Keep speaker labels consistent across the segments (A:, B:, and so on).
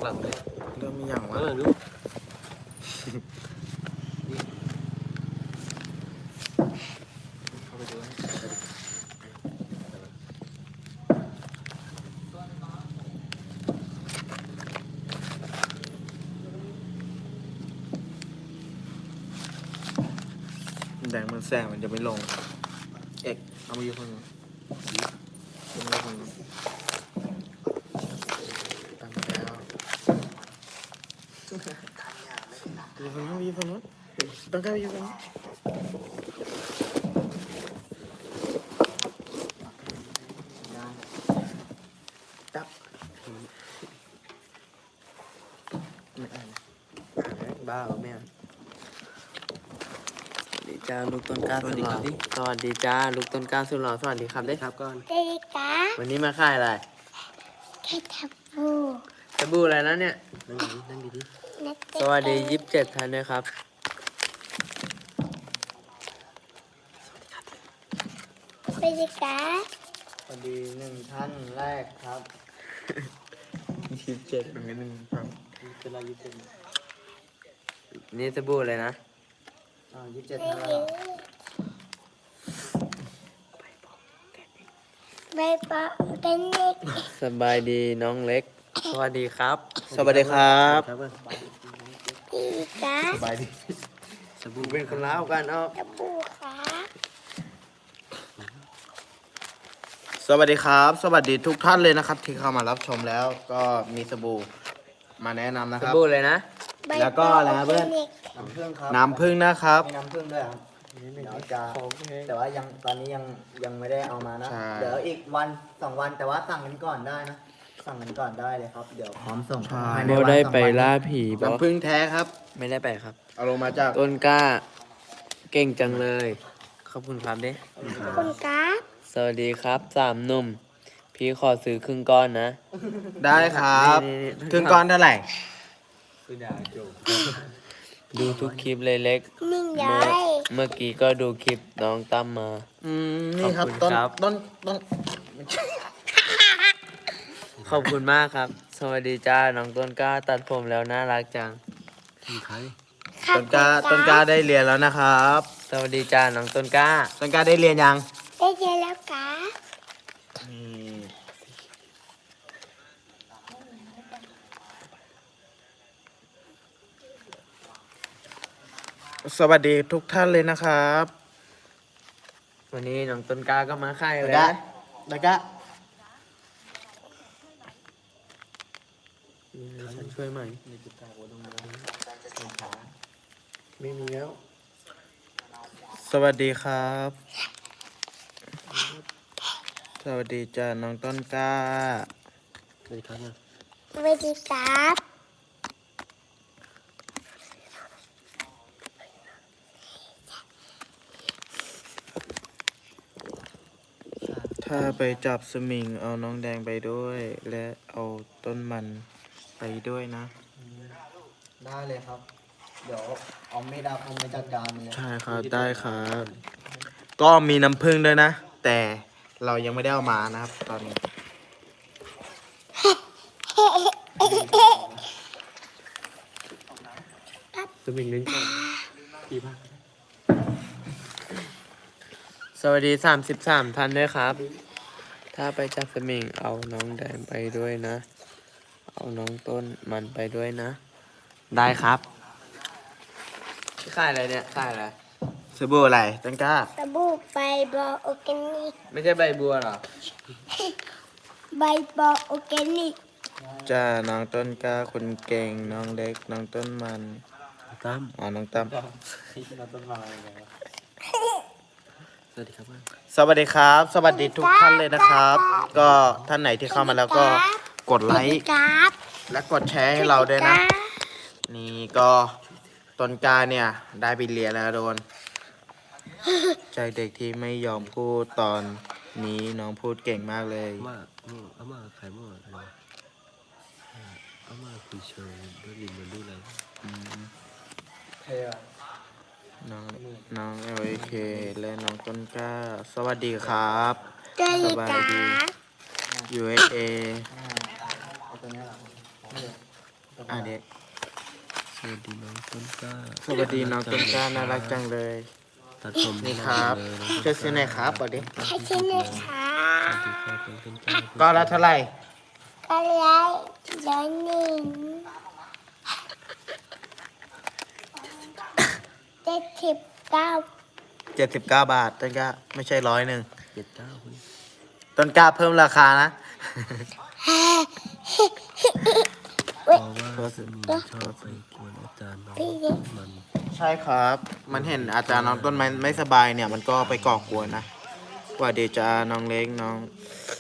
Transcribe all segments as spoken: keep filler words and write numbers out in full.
A: หลังเลย
B: เริ่มมีอย่างวะ
A: เออดูเข้าไปดู
B: แดงมันแสงมันจะไม่ลงเอกเอามาอยู่คนนึงเอามาอยู่คนนึงตั้งแล้วอยู่คนนู้นอยู่คนนู้นต้องการอยู่คนนู้นจับไม่อ่านบ้าเหรอแม่ดีจ้าลูกต้นกล้าสุดหล่อสวัสดีจ้าลูกต้นกล้าสุดหล่อสวัสดีครับได้ครับก่อน
C: เด็กกะ
B: วันนี้มาค่ายอะไร
C: แค่ทับบู
B: สบู่อะไรนะเนี่ย
A: นั่งดีนั่งดีดิ
C: นักเตะ
B: สวัสดียี่สิบเจ็ดท่านด้วยครับ
C: เด็กกะ
B: สวัสดีหนึ่งท่านแรกครับยี่สิบเจ็ดเป็นหนึ่งครับ
A: เป็นไรยี่สิบ
B: นี่สบู่เลยนะอ่ายี่สิบเจ็ดท่านแล้ว
C: ใบปอกันเด็ก
B: สบายดีน้องเล็ก สวัสดีครับ สวัสดีครับ
A: ครับ
C: เด็กกะ
B: สบายดี
A: สบู่
B: เป็นคนลาวกันเอา
C: ทับบูกะ
B: สวัสดีครับ สวัสดีทุกท่านเลยนะครับ ที่เข้ามารับชมแล้วก็มีสบู่มาแนะนำนะครับ
D: สบู่เลยนะ
C: ใบ
B: แล้วก็อะไรนะเพื่อน
C: น้ำผึ้งครับ
B: น้ำผึ้งนะครับ
E: มีน้ำผึ้งด้วยครับเดี๋ยวจะแต่ว่ายังตอนนี้ยังยังไม่ได้เอามานะ
B: ใช่
E: เดี๋ยวอีกวันสองวันแต่ว่าสั่งกันก่อนได้นะ สั่งกันก่อนได้เลยครับ เดี๋ยวพร้อมส่งภายใน
D: โบ
E: วัน
D: ได้
E: สอง
D: ไป
E: วัน
D: ล่าผีบอ
B: น้ำผึ้งแท้ครับ
D: ไม่ได้ไปครับ
B: เอาลงมาจาก
D: ต้นกล้า เก่งจังเลย ขอบคุณครับเด้
C: คุณกะ
D: สวัสดีครับสามหนุ่ม พี่ขอซื้อครึ่งก้อนนะ
B: ได้ครับ
D: นี่นี่นี่
B: ครึ่งก้อนเท่าไหร่
A: คือดาวโจ
D: ดูทุกคลิปเลยเล็ก
C: นิ่ง
D: เมื่
C: ย้
D: อ
C: อย
D: เมื่อกี้ก็ดูคลิปน้องตั้มมา
B: อืมนี่ครับ
D: ขอบคุณ
B: ต้น
D: ครับ
B: ต้นต้น
D: ขอบคุณมากครับ สวัสดีจ้า น้องต้นกล้าตัดผมแล้วน่ารักจัง
A: มีใคร
B: ต้นกล้าต้นกล้าได้เรียนแล้วนะครับ
D: สวัสดีจ้า น้องต้นกล้า
B: ต้นกล้าได้เรียนยัง
C: ได้เจอแล้วกะ
B: สวัสดีทุกท่านเลยนะครับ
D: วันนี้น้องต้นกล้าก็มาค่าย
B: ต้น
D: เลย
B: กล้า
D: นะ
B: ต้นกล้า
D: ฉันช่วยไหม
B: ไม่มีแล้ว สวัสดีครับ สวัสดีจ้าน้องต้นกล้า
A: สวัสดีครับนะ
C: สวัสดีครับ
B: ถ้าไปจับสมิงเอาน้องแดงไปด้วย และเอาต้นมันไปด้วยนะ
E: ได้เลยครับ เดี๋ยวเอาไม่ได้เอาไม่จัดการมันเลย
B: ใช่ครับได้ครับ ก็มีน้ำผึ้งด้วยนะ แต่เรายังไม่ได้เอามานะครับ ตอนนี้
A: สมิงเล่นก่อนกี่ภาค
D: สวัสดีสามสิบสามท่านด้วยครับ ถ้าไปจับสมิงเอาน้องแดงไปด้วยนะ เอาน้องต้นมันไปด้วยนะ ได้ครับค่ายอะไรเนี่ยค่ายอะไร
B: สบู่อะไรต้นกล้า
C: สบู่ใบปอออร์แกนิก
D: ไม่ใช่ใบบัวหรอ
C: ใบปอออร์แกนิก
B: จ้าน้องต้นกล้าคนเก่งน้องเล็กน้องต้นมัน
A: ตั้ม
B: อ๋อน้องตั้ม
A: เราต้นไม้สวัสดีครับ
B: สวัสดีครับ สวัสดีทุกท่านเลยนะครับ ก็ท่านไหนที่เข้ามาแล้วก็กดไลค์
C: ครับ
B: และกดแชร์ให้เราด้วยนะ นี่ก็ต้นกล้าเนี่ย ได้ไปเรียนแล้วโดน ใจเด็กที่ไม่ยอมพูดตอนนี้น้องพูดเก่งมากเลย
A: มาเอามาใครมาอะไรเอามาคุยเชิญด้วยลินมันดูอะไร
B: อืม
E: เท่อะ
B: น้องน้องเอลเคและน้องต้นกล้า สวัสดีครับ
C: สวัสดีครับ
B: ยู เอส เอ
E: อ่าเอาตัวเนี้ยเหรอ
B: อ่ะเด็ก
A: สวัสดีน้องต้นกล้า
B: สวัสดีน้องต้นกล้าน่ารักจังเลย
A: ตัดผม
B: นี่ครับ
A: เลยน้องต้นกล้า
B: ช่วยซื้อหน่อยครับบอกดิ
C: ให้ชิ้นเลยค่ะ
A: สวัสดีครับน้องต้นกล้า
B: ก็ละเท่าไหร่
C: ก็ไลค์ร้อยหนึ่งเจ็ดสิบเก้า
B: เจ็ดสิบเก้าบาทต้นกล้าไม่ใช่ร้อยหนึ่ง
A: เจ็ดเก้าคุณ
B: ต้นกล้าเพิ่มราคานะ
A: เพราะว่าสมีชอบไปกวนอาจารย์น้อง
C: พี่เด็ก
A: มัน
B: ใช่ครับ มันเห็นอาจารย์น้องต้นไม้ไม่สบายเนี่ย มันก็ไปก่อกวนนะว่าเดี๋ยวจะน้องเล็กน้อง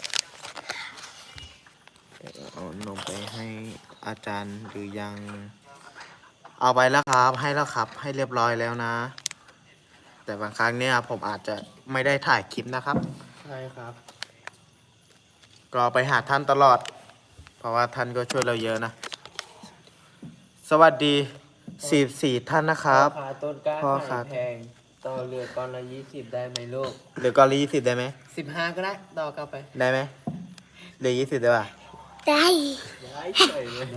B: เอานมไปให้อาจารย์หรือยัง เอาไปแล้วครับ ให้แล้วครับ ให้เรียบร้อยแล้วนะ แต่บางครั้งเนี่ยผมอาจจะไม่ได้ถ่ายคลิปนะครับ
D: ใช่ครับ
B: ก็ไปหาท่านตลอด เพราะว่าท่านก็ช่วยเราเยอะนะ สวัสดีสี่สี่ท่านนะครับ
D: พ่อค้าต้นกล้า
B: พ่อ
D: ขา
B: ค้า
D: ยแพง ต่อเรือก้อนละยี่สิบได้ไหมลูก
B: เหลือกอลียี่สิบได้ไหม
D: สิบห้าก็ได้ ต่อกลับไป
B: ได้ไหมเหลือยี่สิบได้ป่ะ
C: ได้
D: ได้เฉยเลย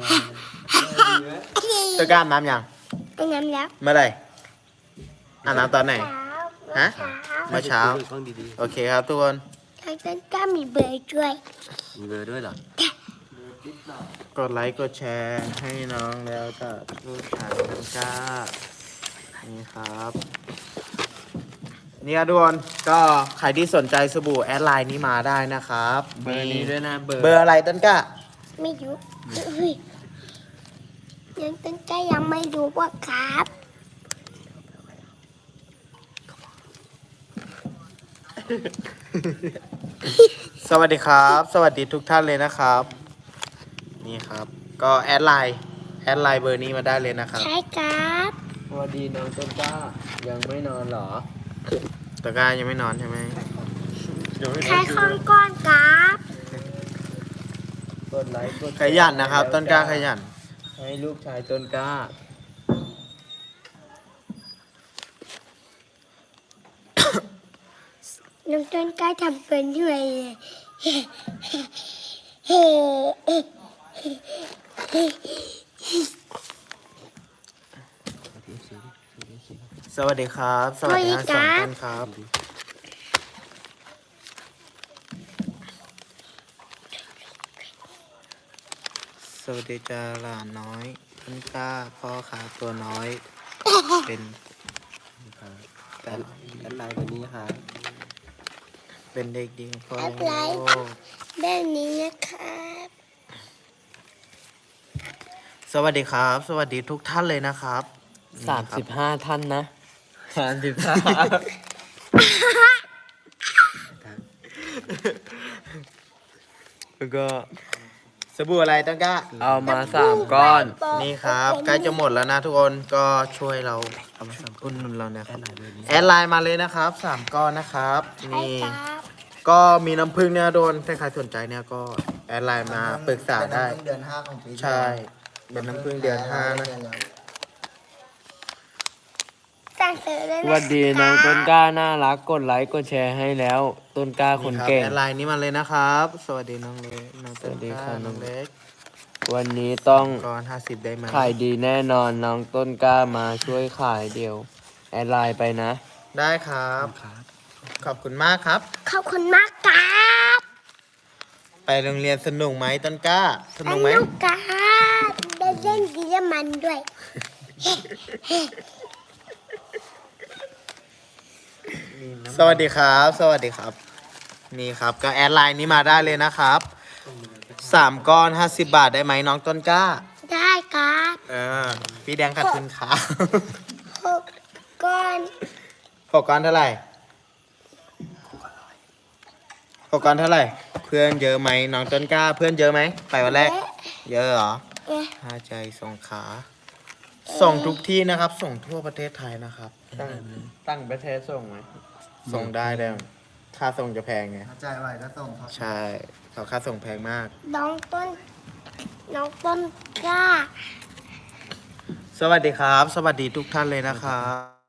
B: จะกล้าอาบน้ำยัง
C: อันนั้นแล้ว
B: เมื่อไหร่อาบน้ำตอนไหน
C: เช้า
B: ฮะ
C: เช้า
B: เมื่อเช้า
A: ฟังดี
B: โอเคครับทุกคน
C: ทางต้นก็มีเบอร์ด้วย
A: ๆมีเบอร์ด้วยเหรอ
B: กดไลค์กดแชร์ให้น้องแล้วก็ลูกชายน้องก้านี่ครับ นี่ครับทุกคนก็ใครที่สนใจสบู่แอดไลน์นี้มาได้นะครับ
D: เบอร์นี้ด้วยนะ เบอร์
B: เบอร์อะไรต้นกล้า
C: ไม่รู้เฮ้ยยังต้นก็ยังไม่รู้ว่าครับ
B: สวัสดีครับ สวัสดีทุกท่านเลยนะครับ นี่ครับ ก็แอดไลน์แอดไลน์เบอร์นี้มาได้เลยนะครับ
C: ใช่ครับ
D: สวัสดีน้องต้นกล้า ยังไม่นอนเหรอ
B: ตะกร้ายังไม่นอนใช่ไหม
C: ใช้ข้องก้อนครับ
D: กดไลค์กดแชร์
B: ขยันนะครับ ต้นกล้าขยัน
D: ให้ลูกชายต้นกล้า
C: น้องต้นก็ทำเป็นด้วยเฮ้เฮ้เฮ้
B: สวัสดีครับ สวัสดีทั้งสองท่านครับ สวัสดีจ้าหลานน้อยต้นกล้าพ่อขาตัวน้อย เป็นแต่
A: แอดไลน์วันนี้ครับ
B: เป็นเด็กดีของพ่อ
C: แอดไลน์
B: โลก
C: แบบนี้นะครับ
B: สวัสดีครับ สวัสดีทุกท่านเลยนะครับ
D: สามสิบห้าท่านนะสามสิบห้า
B: แล้วก็สบู่อะไรต้นกล้า
D: เอามาสามก้อน
B: นี่ครับใกล้จะหมดแล้วนะทุกคนก็ช่วยเราเอามาสามอุ่นนุนเรานะ
A: แอ
B: ครับ
A: ดไลน์เบอร์นี้
B: แอดไลน์มาเลยนะครับสามก้อนนะครับ
C: ใช่
B: นี่
C: ครับ
B: ก็มีน้ำผึ้งเนี่ยโดนถ้าใครสนใจเนี่ยก็แอดไลน์มาปรึกษาได้
E: เป็นน้ำพึ่งเดือนห้าของปีที่
B: ใช่
E: แล้ว
B: เป็นน้ำผึ้งเดือนห้านะ
C: สั่งซื้อเลย
D: ส
C: นะ
D: วัสดีน้องต้นกล้าน่ารัก กดไลค์กดแชร์ให้แล้ว ต้นกล้าคน
B: นี่รับ
D: เก่ง
B: แอดไลน์นี้มาเลยนะครับ สวัสดีน้องเล็กน้องต้น
D: สวัสดี
B: ก
D: ครั
B: ล้า
D: บ
B: น้องเล็ก
D: วันนี้ต้อง
B: ก้อนห้าสิบได้ไหม
D: ขายดีแน่นอนน้องต้นกล้ามาช่วยขายเดียว แอดไลน์ไปนะ
B: ได้ครับ
A: ครับ
B: ขอบคุณมากครับ
C: ขอบคุณมากครับ
B: ไปโรงเรียนสนุกไหมต้นกล้าสนุกไหม
C: สนุกครับได้เล่นดีและมันด้วย
B: สวัสดีครับ สวัสดีครับ นี่ครับก็แอดไลน์นี้มาได้เลยนะครับสามก้อนห้าสิบบาทได้ไหมน้องต้นกล้า
C: ได้ครับ
B: เออพี่แดงขัดทุนครับ
C: หกก้อน
B: หกก้อนเท่าไหร่หกก้อนเท่าไหร่ เพื่อนเยอะไหมน้องต้นกล้า เพื่อนเยอะไหมไปวันแรก เยอะเหรอ
C: เอ๊ะ
B: ห้าใจสงขลาส่งทุกที่นะครับ ส่งทั่วประเทศไทยนะครับ
D: ตั้งตั้งประเทศส่งไหม
B: ส่งได้แล้วค่าส่งจะแพงไง
E: เข้าใจไว้ก็ส่งครับ
B: ใช่เขาค่าส่งแพงมาก
C: น้องต้น น้องต้นกล้า
B: สวัสดีครับ สวัสดีทุกท่านเลยนะครับ